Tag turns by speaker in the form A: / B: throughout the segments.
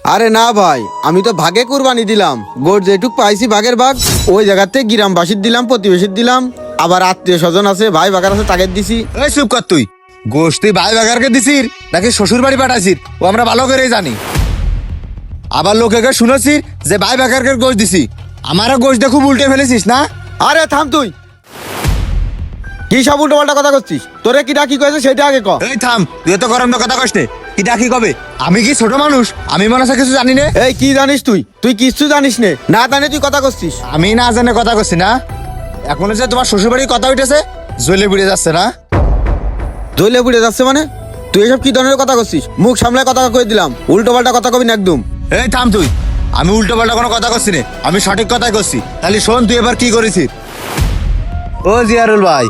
A: আরে না ভাই, আমি তো ভাগে কুরবানি দিলাম। গোট যেটুক পাইছি ভাগের ভাগ ওই জায়গাতে গ্রামবাসীর দিলাম, প্রতিবেশীর দিলাম, আবার আত্মীয় স্বজন আছে, ভাই বাগার আছে, তাকে দিছি।
B: এই চুপ কর তুই। গোশ তুই ভাই বাগারকে দিছিস নাকি শ্বশুর বাড়ি পাঠাইছিস ও আমরা ভালো করেই জানি। আবার লোকেকে শুনেছি যে ভাই বাগারকে গোশ দিছি, আমারও গোশ দিয়ে খুব উল্টে ফেলেছিস না?
A: আরে থাম তুই, কি সব উল্টো পাল্টা কথা করছিস? তোরে কি ডাকি কয়েছে সেটা আগে ক।
B: এই থাম, তুই তো গরম কথা কস নে। কি ডাকি কবে? আমি কি ছোট মানুষ? আমি মনে হয় কিছু জানি না।
A: এই কি জানিস তুই? তুই কিচ্ছু জানিস নে, না জানে তুই কথা করছিস।
B: আমি না জানে কথা করছি না? এখন যে তোমার শ্বশুর বাড়ির কথা উঠেছে জ্বলে পুড়ে যাচ্ছে না?
A: জ্বলে পুড়ে যাচ্ছে মানে? তুই এসব কি ধরনের কথা করছিস? মুখ সামলায় কথা কয়ে দিলাম, উল্টো পাল্টা কথা কবি না একদম।
B: এই থাম তুই, আমি উল্টো পাল্টা কোনো কথা করছি না, আমি সঠিক কথাই করছি। তাহলে শোন তুই এবার কি করেছিস। ও জিয়ারুল ভাই,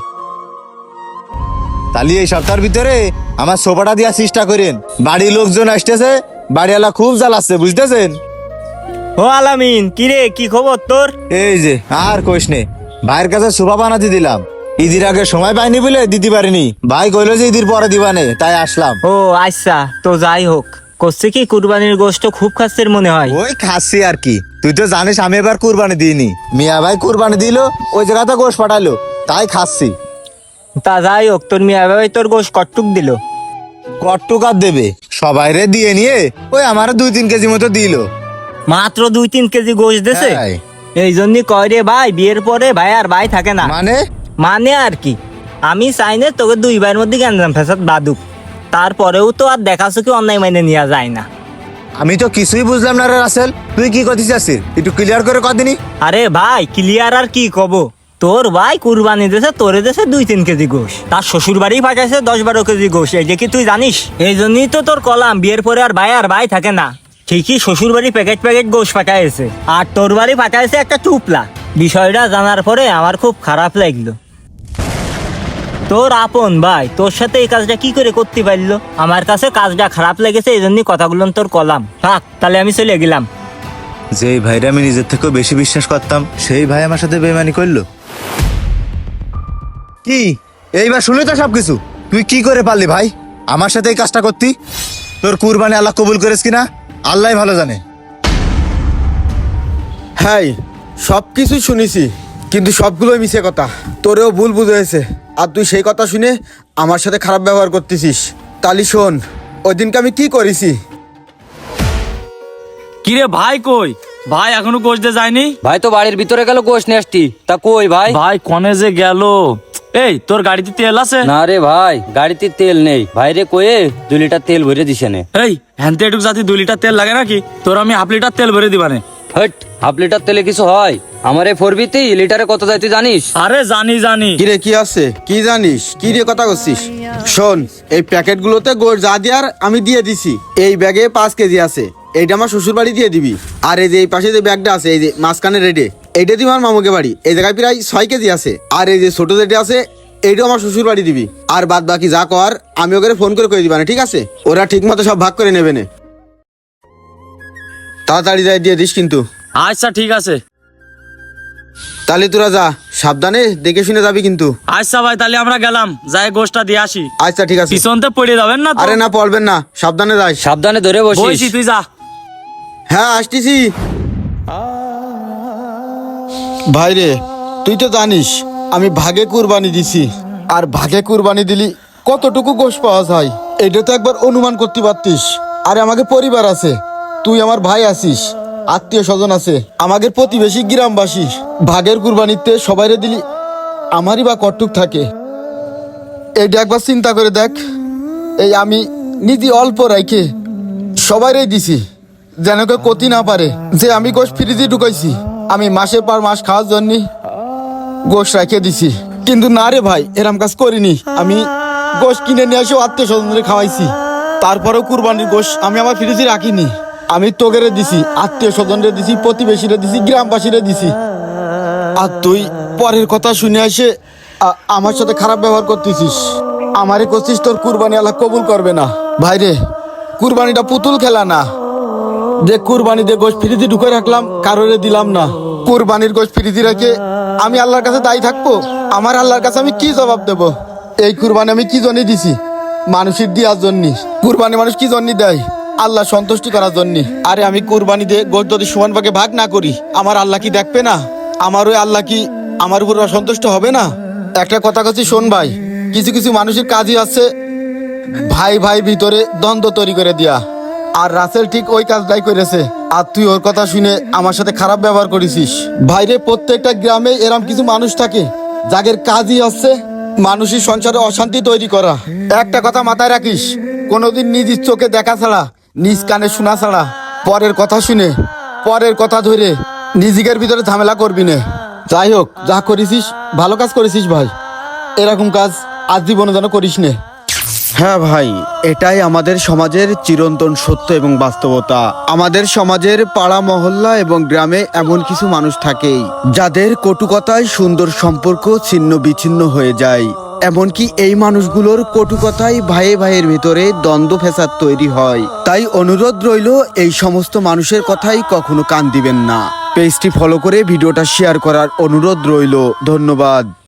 B: তাহলে এই সপ্তাহের ভিতরে আমার সোফাটা দেওয়ার চেষ্টা করেন। বাড়ির লোকজন আসতেছে, বাড়িওয়ালা খুব জ্বালাচ্ছে, বুঝতেছেন?
C: ও আলামিন, কিরে কি খবর তোর?
B: এই যে আর কইস নে, ভাইয়ের কাছে সোফা বানাতে দিলাম, ঈদের আগে সময় পাইনি বলে দিতে পারিনি। ভাই কইলো যে ঈদের পরে দিবানে, তাই আসলাম।
C: ও আচ্ছা, তো যাই হোক, করছে কি কুরবানির গোশত খুব খাচ্ছের মনে হয়।
B: ওই খাচ্ছি আর কি, তুই তো জানিস আমি এবার কুরবানি দিইনি। মিয়া ভাই কুরবানি দিল, ওই জায়গাতে গোশ পাঠালো, তাই খাচ্ছি।
C: তা যাই হোক, তোর মিয়া ভাই তোর গোশ কটটুক দিল?
B: কট্টুকার দেবে, সবাই রে দিয়ে নিয়ে ওই আমার 2-3 কেজি মতো দিল।
C: মাত্র 2-3 কেজি গোশ দেছে?
B: হ্যাঁ।
C: এই জন্যই কয় রে ভাই, বিয়ের পরে ভাই আর ভাই থাকে না।
B: মানে
C: আর কি, আমি চাই না তোকে দুই ভাইয়ের মধ্যে গ্যাঞ্জাম ফেসাদ বাদুক, তারপরেও তো আর দেখাছো কি অন্যায় মাইনে নেওয়া যায় না।
B: আমি তো কিছুই বুঝলাম না রে রাসেল, তুই কি করতে চাচ্ছিস একটু ক্লিয়ার করে কদিনই।
C: আরে ভাই, ক্লিয়ার আর কি কব, তোর ভাই কুরবানি দেশে তোরে দেশে 2-3 কেজি গোশ, তার শ্বশুর বাড়ি পাঠাইছে 10-12 কেজি গোশ। এই যে কি তুই জানিস? এই জন্যই তো তোর কলাম, বিয়ের পরে আর ভাই থাকে না। ঠিকই শ্বশুর বাড়ি প্যাকেট গোশ পাঠাইছে, আর তোর বাড়ি পাঠাইছে একটা টুপলা। বিষয়টা জানার পরে আমার খুব খারাপ লাগলো। তোর আপন ভাই তোর সাথে এই কাজটা কি করে করতে পারলো? আমার কাছে কাজটা খারাপ লেগেছে, এই জন্যই কথাগুলো তোর কলাম। থাক তাহলে আমি চলে গেলাম।
B: যেই ভাইরা আমি নিজের থেকেও বেশি বিশ্বাস করতাম, সেই ভাই আমার সাথে বেইমানি করলো। কি এইবার শুনে তো সবকিছু, তুই কি করে পারলি ভাই আমার সাথে এই কাজটা করতি? তোর কুরবানি আল্লাহ কবুল করেছ কিনা আল্লাহ ভালো জানে।
A: হ্যাঁ, সব কিছু শুনেছি, কিন্তু সবগুলোই মিছে কথা। তোরেও ভুল বুঝেছে, আর তুই সেই কথা শুনে আমার সাথে খারাপ ব্যবহার করতেছিস। তালি শোন, ওই দিনকে আমি কি করেছি।
D: কিরে ভাই কই? ভাই এখনো গোশ দিয়ে যায়নি?
E: ভাই তো বাড়ির ভিতরে গেল গোশ নিয়ে আসতি, তা কই ভাই?
D: ভাই কনে যে গেল। এই তোর গাড়িতে তেল আছে?
E: না রে ভাই, গাড়িতে তেল নেই। ভাইরে কয়ে 2 লিটার তেল ভরে দিছে নে।
D: এই হ্যান্তে এটুক জাতি 2 লিটার তেল লাগে নাকি? তোর আমি 1/2 লিটার তেল ভরে দিবানে।
E: হট, 1/2 লিটার তেলে কিছু হয়? আমার এই 4B-তে লিটারে কত যায় তুই জানিস?
D: আরে জানি।
A: কিরে কি আছে, কি জানিস, কি রে কথা করছিস? শোন, এই প্যাকেটগুলোতে গোড় যা দেওয়ার আমি দিয়ে দিছি। এই ব্যাগে 5 কেজি আছে, এইটা আমার শ্বশুর বাড়ি দিয়ে দিবি। আর এই যে এই পাশে যে ব্যাগটা আছে, এই যে মাঝখানে রেডে, এইটা দিবি আমার মামুকে বাড়ি। এই জায়গায় প্রায় 6 কেজি আছে। আর এই যে ছোট যেটা আছে, এইটাও আমার শ্বশুর বাড়ি দিবি। আর বাদ বাকি যা কর আমি ওকে ফোন করে দিবা না, ঠিক আছে? ওরা ঠিক মতো সব ভাগ করে নেবে না। তাড়াতাড়ি যাই দিয়ে দিস কিন্তু।
D: আচ্ছা ঠিক আছে।
A: তাহলে তোরা যা, সাবধানে দেখে শুনে যাবি কিন্তু।
D: আচ্ছা ভাই, তাহলে আমরা গেলাম, যাই গোশটা দিয়ে আসি।
A: আচ্ছা ঠিক আছে।
D: পিছনতে পড়ে যাবেন না তো?
A: আরে না, পড়বেন না, সাবধানে যাই।
E: সাবধানে ধরে
D: বসি,
E: বসিস।
D: তুই যা।
A: হ্যাঁ আসতেছি। ভাই রে, তুই তো জানিস আমি ভাগে কুরবানি দিছি, আর ভাগে কুরবানি দিলি কতটুকু গোশ পাওয়া যায় এটা তো একবার অনুমান করতে পারতিস। আরে আমাকে পরিবার আছে, তুই আমার ভাই আছিস, আত্মীয় স্বজন আছে, আমাদের প্রতিবেশী গ্রামবাসী। ভাগের কুরবানিতে সবাইরে দিলি আমারই বা কটুক থাকে। এইটা একবার চিন্তা করে দেখ। এই আমি নিজে অল্প রাইখে সবাইরে দিছি, যেন কেউ ক্ষতি না পারে যে আমি গোশ ফ্রিজে ঢুকাইছি। আমি মাসের পর মাস খাওয়ার জন্য গোশ রেখে দিছি, কিন্তু না রে ভাই, এরম কাজ করিনি। আমি গোশ কিনে নিয়ে এসে আত্মীয় স্বজনদের খাওয়াইছি, তারপরেও কুরবানির গোশ আমি আমার ফ্রিজে রাখিনি। আমি তোগেরে দিছি, আত্মীয় স্বজনরে দিছি, প্রতিবেশীরে দিছি, গ্রামবাসীরে দিছি। আর তুই পরের কথা শুনে এসে আমার সাথে খারাপ ব্যবহার করতেছিস। আমারে করছিস তোর কুরবানি আল্লাহ কবুল করবে না। ভাইরে, কুরবানিটা পুতুল খেলা না যে কুরবানিতে গোশ ফ্রিজে ঢুকে রাখলাম, কারোরে দিলাম না। কুরবানির গোশ ফ্রিজে রেখে আমি আল্লাহর কাছে দায়ী থাকবো? আমার আল্লাহর কাছে আমি কি জবাব দেব? এই কুরবানি আমি কি জন্য দিছি? মানুষের দেওয়ার জন্য। কুরবানি মানুষ কি জন্য দেয়? আল্লাহ সন্তুষ্টি করার জন্য। আরে আমি কুরবানি দিয়ে গোশ যদি সমান ভাগে ভাগ না করি, আমার আল্লাহ কি দেখবে না? আমার ওই আল্লাহ কি আমার উপর অসন্তুষ্ট হবে না? একটা কথা কাছে শোন ভাই, কিছু কিছু মানুষের কাজই আছে ভাই ভাই ভিতরে দ্বন্দ্ব তৈরি করে দিয়া। আর রাসেল ঠিক ওই কাজটাই করেছে। আর তুই ওর কথা শুনে আমার সাথে খারাপ ব্যবহার করেছিস। ভাইরে, প্রত্যেকটা গ্রামে এরম কিছু মানুষ থাকে যাদের কাজই হচ্ছে মানুষের সংসারে অশান্তি তৈরি করা। একটা কথা মাথায় রাখিস, কোনোদিন নিজ চোখে দেখা ছাড়া, নিজ কানে শোনা ছাড়া, পরের কথা শুনে, পরের কথা ধরে নিজেদের ভিতরে ঝামেলা করবি না। যাই হোক, যা করেছিস ভালো কাজ করেছিস ভাই। এরকম কাজ আজ জীবনে যেন করিস নে। হ্যাঁ ভাই, এটাই আমাদের সমাজের চিরন্তন সত্য এবং বাস্তবতা। আমাদের সমাজের পাড়া মহল্লা এবং গ্রামে এমন কিছু মানুষ থাকেই যাদের কটু কথায় সুন্দর সম্পর্ক ছিন্ন বিচ্ছিন্ন হয়ে যায়। এমনকি এই মানুষগুলোর কটু কথায় ভাইয়ে ভাইয়ের ভিতরে দ্বন্দ্ব ফ্যাসাদ তৈরি হয়। তাই অনুরোধ রইল, এই সমস্ত মানুষের কথাই কখনো কান দিবেন না। পেজটি ফলো করে ভিডিওটা শেয়ার করার অনুরোধ রইল। ধন্যবাদ।